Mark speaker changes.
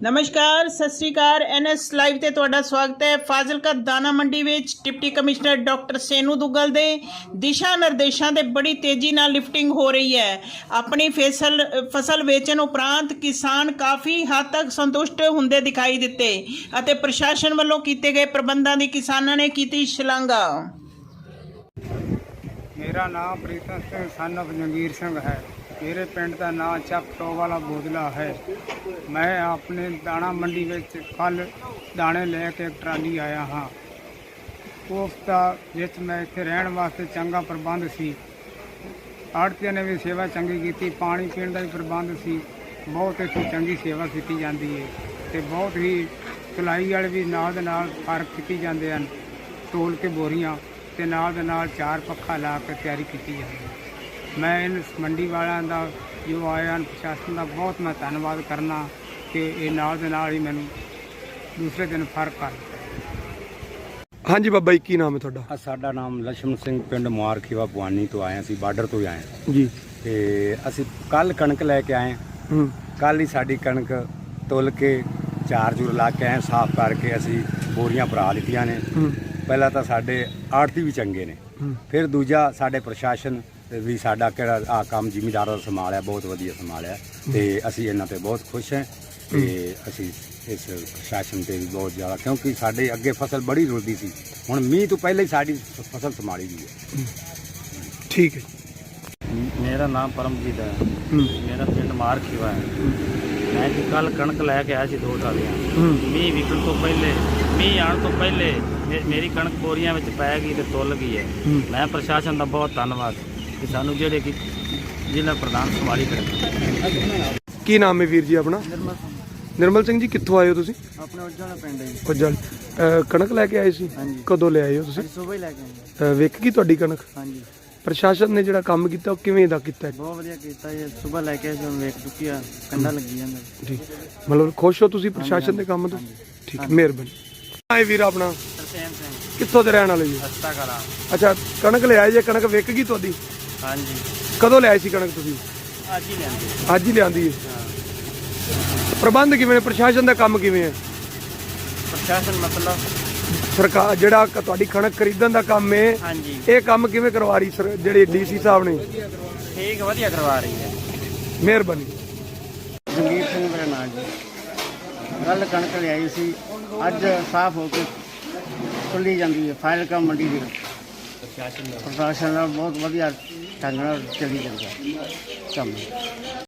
Speaker 1: नमस्कार सत श्री अकाल NS लाइव ਤੇ ਤੁਹਾਡਾ ਸਵਾਗਤ ਹੈ। ਫਾਜ਼ਿਲਕਾ ਦਾਣਾ ਮੰਡੀ ਵਿੱਚ deputy commissioner doctor Senu Duggal ਦੇ ਦਿਸ਼ਾ ਨਿਰਦੇਸ਼ਾਂ ਦੇ ਬੜੀ ਤੇਜ਼ੀ ਨਾਲ ਲਿਫਟਿੰਗ ਹੋ ਰਹੀ ਹੈ। ਆਪਣੀ ਫਸਲ ਵੇਚਣ ਉਪਰੰਤ ਕਿਸਾਨ ਕਾਫੀ ਹੱਦ ਤੱਕ ਸੰਤੁਸ਼ਟ ਹੁੰਦੇ ਦਿਖਾਈ ਦਿੱਤੇ ਅਤੇ ਪ੍ਰਸ਼ਾਸਨ ਵੱਲੋਂ ਕੀਤੇ ਗਏ ਪ੍ਰਬੰਧਾਂ ਦੀ ਕਿਸਾਨਾਂ ਨੇ ਕੀਤੀ ਸ਼ਲਾਘਾ।
Speaker 2: मेरा नाम प्रीतम सिंह सन ऑफ जंगीर सिंह है। मेरे पिंड का नाम चक वाला बोदला है। मैं अपने दाणा मंडी में कल दाने लेके एक ट्राली आया हाँ। उसका जिस मैं इतने रहने वास्ते चंगा प्रबंध सी। आड़तिया ने भी सेवा चंगी की, पानी पीने का भी प्रबंध सी। बहुत इतनी चंगी सेवा की जाती है तो बहुत ही सिलाई वाले भी नाल दे नाल फर्क की जाते हैं। तोल के बोरियां ते नाल दे नाल चार पक्खा ला के तैयारी की जाती है। मैं इन मंडी वालों का जो आया प्रशासन का बहुत मैं धन्यवाद करना कि ये नाल दे नाल ही मैनू दूसरे दिन फर्क कर दिता।
Speaker 3: हाँ जी बाबा जी की नाम है थोड़ा?
Speaker 4: साडा नाम लक्ष्मण सिंह पिंड मुआरखीवा भवानी तो आए सी, बार्डर तो ही आए
Speaker 3: जी।
Speaker 4: ते असी कल कणक लैके आए। कल ही साडी कणक तुल के चार चूर ला के आए, साफ करके असी बोरियां भरा लितियां ने। पहला तो साडे आड़ती भी चंगे ने, फिर दूजा साडे प्रशासन भी साडा किहड़ा आ काम जिमीदारां दा संभालिया बहुत वधिया संभालिया ते असी इन्हां ते बहुत खुश हैं ते असी इस प्रशासन ते भी बहुत ज़्यादा, क्योंकि साडे अगे फसल बड़ी रुलदी सी, हुण मींह तो पहले ही साडी फसल संभाली गई है।
Speaker 3: ठीक है।
Speaker 5: मेरा नाम परमजीत है। मेरा पिंड मारखीवा है। मैं जी कल कणक लैके आया सी 2 ट्रालियां। मीह विकण तो पहले, मीह आने तो पहले मेरी कणक बोरियां विच पै गई ते तुल गई है। मैं प्रशासन का बहुत धन्नवाद कि सानू जेहड़े कि जिला प्रधान संभाली कणक।
Speaker 3: की नाम है वीर जी अपना? निर्मल सिंह जी कित्थों आए हो तुसी?
Speaker 5: अपने उज्जल पिंड है।
Speaker 3: उज्जल कणक लैके आए सी? कदों ले आए हो तुसी?
Speaker 5: सुबह ही लैके आए।
Speaker 3: विक गई तुहाडी कणक?
Speaker 5: हाँ जी।
Speaker 3: प्रशासन ने जिहड़ा काम कीता ਉਹ ਕਿਵੇਂ ਦਾ ਕੀਤਾ?
Speaker 5: बहुत वधिया कीता है। सुबह लैके आए सी, वेख चुकी है, कंधा लगी जांदा।
Speaker 3: जी, मतलब खुश हो तुसी प्रशासन ਦੇ ਕੰਮ ਤੋਂ? ठीक है, ਮਿਹਰਬਾਨੀ। ਆਏ ਵੀਰ ਆਪਣਾ
Speaker 5: तरसेम सिंह
Speaker 3: ਕਿੱਥੋਂ ਦੇ ਰਹਿਣ ਵਾਲੇ ਜੀ?
Speaker 5: हस्ता कला।
Speaker 3: ਅੱਛਾ, ਕਣਕ ਲੈ ਆਏ ਜੇ, ਕਣਕ ਵਿਕ ਗਈ ਤੁਹਾਡੀ?
Speaker 5: हाँ जी,
Speaker 3: ਕਦੋਂ ਲੈ ਆਏ ਸੀ ਕਣਕ ਤੁਸੀਂ?
Speaker 5: आज ही लेंगे।
Speaker 3: ਅੱਜ ਹੀ ਲਿਆਂਦੀ ਹੈ। ਪ੍ਰਬੰਧ ਕਿਵੇਂ ਨੇ? ਪ੍ਰਸ਼ਾਸਨ ਦਾ ਕੰਮ ਕਿਵੇਂ ਹੈ?
Speaker 5: प्रशासन मतलब
Speaker 3: ਸਰਕਾਰ ਜਿਹੜਾ ਤੁਹਾਡੀ ਕਣਕ ਖਰੀਦਣ ਦਾ ਕੰਮ ਹੈ,
Speaker 5: हाँ जी
Speaker 3: ਇਹ ਕੰਮ ਕਿਵੇਂ ਕਰਵਾ ਰਹੀ ਸਰ ਜਿਹੜੇ ਡੀਸੀ ਸਾਹਿਬ ਨੇ?
Speaker 5: ठीक वधिया करवा रही है।
Speaker 3: ਮਿਹਰਬਾਨੀ।
Speaker 5: ਜੰਗੀਰ ਸਿੰਘ ਮੇਰਾ ਨਾਮ ਜੀ। ਕੱਲ ਕਣਕ ਲਿਆਈ ਸੀ, ਅੱਜ ਸਾਫ਼ ਹੋ ਕੇ ਖੁੱਲੀ ਜਾਂਦੀ ਹੈ। ਫਾਜ਼ਿਲਕਾ ਮੰਡੀ ਦੀ ਪ੍ਰਸ਼ਾਸਨ ਨਾਲ ਬਹੁਤ ਵਧੀਆ ਢੰਗ ਨਾਲ ਚੱਲੀ ਜਾਂਦਾ ਕੰਮ।